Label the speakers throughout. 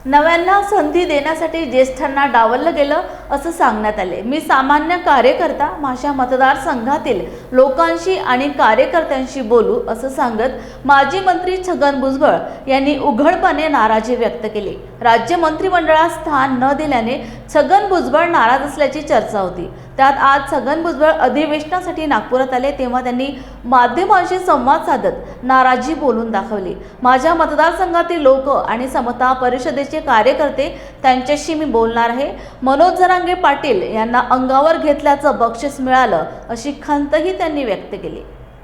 Speaker 1: नव्यांना संधी देण्यासाठी ज्येष्ठांना डावललं गेलं असं सांगण्यात आले। मी सामान्य कार्यकर्ता माझ्या मतदारसंघातील लोकांशी आणि कार्यकर्त्यांशी बोलू असं सांगत माजी मंत्री छगन भुजबळ यांनी उघडपणे नाराजी व्यक्त केली। राज्य मंत्रिमंडळात स्थान न दिल्याने छगन भुजबळ नाराज असल्याची चर्चा होती। त्यात आज छगन भुजबळ अधिवेशनासाठी नागपुरात आले तेव्हा त्यांनी माध्यमांशी संवाद साधत नाराजी बोलून दाखवली। माझ्या मतदारसंघातील लोक आणि समता परिषदेचे कार्यकर्ते त्यांच्याशी मी बोलणार आहे। मनोज जरांगे पाटील यांना अंगावर घेतल्याचं बक्षीस मिळालं अशी खंतही त्यांनी व्यक्त केली।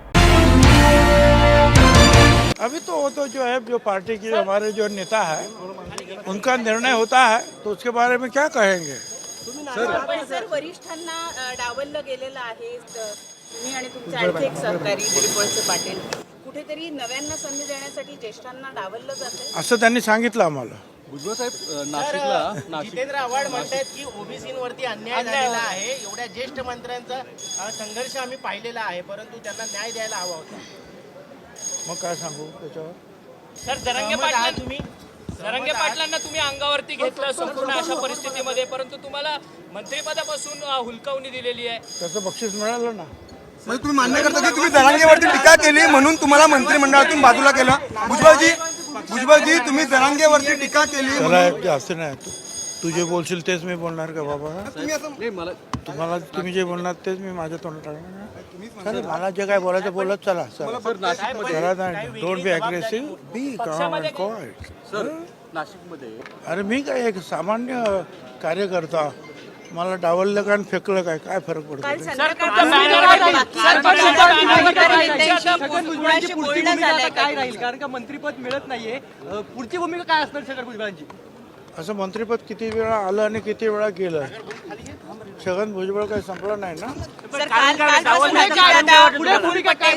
Speaker 2: अभी तो वो तो जो है जो पार्टी की हमारे जो नेता है उनका निर्णय होता है तो उसके बारे में क्या कहेंगे।
Speaker 3: सर वरिष्ठांना डावललं गेलेलं आहे। तुम्ही आणि तुमचे आणखी एक सहकारी दिलीप वळसे पाटील कुठेतरी नव्यांना संधी देण्यासाठी ज्येष्ठांना डावललं जाते
Speaker 2: असं त्यांनी सांगितलं आम्हाला।
Speaker 4: भुजबळ साहेब नाशिकला
Speaker 5: जितेंद्र आव्हाड म्हणतात की ओबीसींवरती अन्याय झालेला आहे। एवढ्या ज्येष्ठ मंत्र्यांचा संघर्ष आम्ही पाहिलेला आहे, परंतु त्यांना न्याय द्यायला हवा होता।
Speaker 2: मग काय सांगू त्याच्यावर।
Speaker 6: सर जरांगे पाटलांना तुम्ही अंगावरती घेतलं संपूर्ण अशा परिस्थितीमध्ये, परंतु तुम्हाला मंत्रिपदापासून हुलकावणी दिलेली आहे।
Speaker 2: त्याचं बक्षीस मिळालं ना।
Speaker 7: म्हणजे तुम्ही मान्य करता की तुम्ही जरांगेवरती टीका केली म्हणून तुम्हाला मंत्रिमंडळातून बाजूला केलं। भुजबळजी तुम्ही जरांगेवरती टीका केली
Speaker 2: त्याला जास्त नाही, तू जे बोलशील तेच मी बोलणार का बाबा। तुम्हाला तुम्ही जे बोलणार तेच मी माझ्या तोंडात टाकणार। मला जे काय बोलायचं बोलत चला। डोंट बी अग्रेसिव्ह, बी काम अँड क्वाइट।
Speaker 4: सर नाशिकमध्ये
Speaker 2: अरे मी काय एक सामान्य कार्यकर्ता, मला डावललं काय फेकलं काय काय फरक पडतो।
Speaker 4: काय राहील कारण का मंत्रिपद मिळत नाहीये, पुढची भूमिका काय असणार छगन भुजबळांची।
Speaker 2: असं मंत्रिपद किती वेळा आलं आणि किती वेळा गेलं। छगन भुजबळ काही संपलं नाही ना।
Speaker 4: पुढे भूमिका काय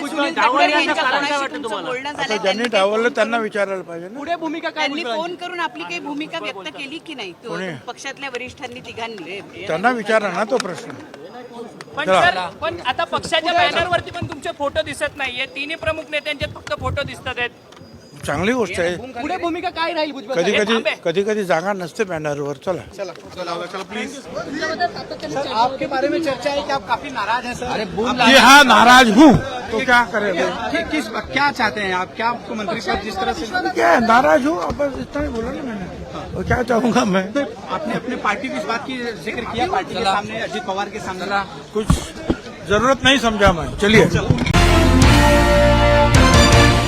Speaker 2: आता ज्यांनी डावललं त्यांना विचारायला पाहिजे ना।
Speaker 4: पुढे भूमिका काय
Speaker 3: त्यांनी फोन करून आपली काही भूमिका व्यक्त केली की नाही पक्षातल्या वरिष्ठांनी तिघांनी?
Speaker 2: त्यांना विचारा ना तो प्रश्न।
Speaker 6: पण सर पण आता पक्षाच्या बॅनरवरती पण तुमचे फोटो दिसत नाहीये, तिन्ही प्रमुख नेत्यांचे फक्त फोटो दिसत आहेत।
Speaker 2: चांगली गोष्ट आहे।
Speaker 4: पुढे भूमिका काय राहील भुजबळ
Speaker 2: कधी कधी जागा नसते बॅनरवर। चला
Speaker 7: प्लीज।
Speaker 5: आपके बारे में चर्चा है कि आप काफी नाराज हैं सर। अरे
Speaker 2: जी हाँ, नाराज हूँ तो क्या करें।
Speaker 5: क्या चाहते हैं आप, क्या आपको मंत्रिपद जिस तरह से
Speaker 2: क्या है, नाराज हूँ, अब बस इतना ही बोला ना मैंने। और क्या चाहूँगा मैं।
Speaker 5: आपने अपने पार्टी की इस बात की जिक्र किया पार्टी के सामने, अजित पवार के सामने।
Speaker 2: कुछ जरूरत नहीं समझा मैं। चलिए।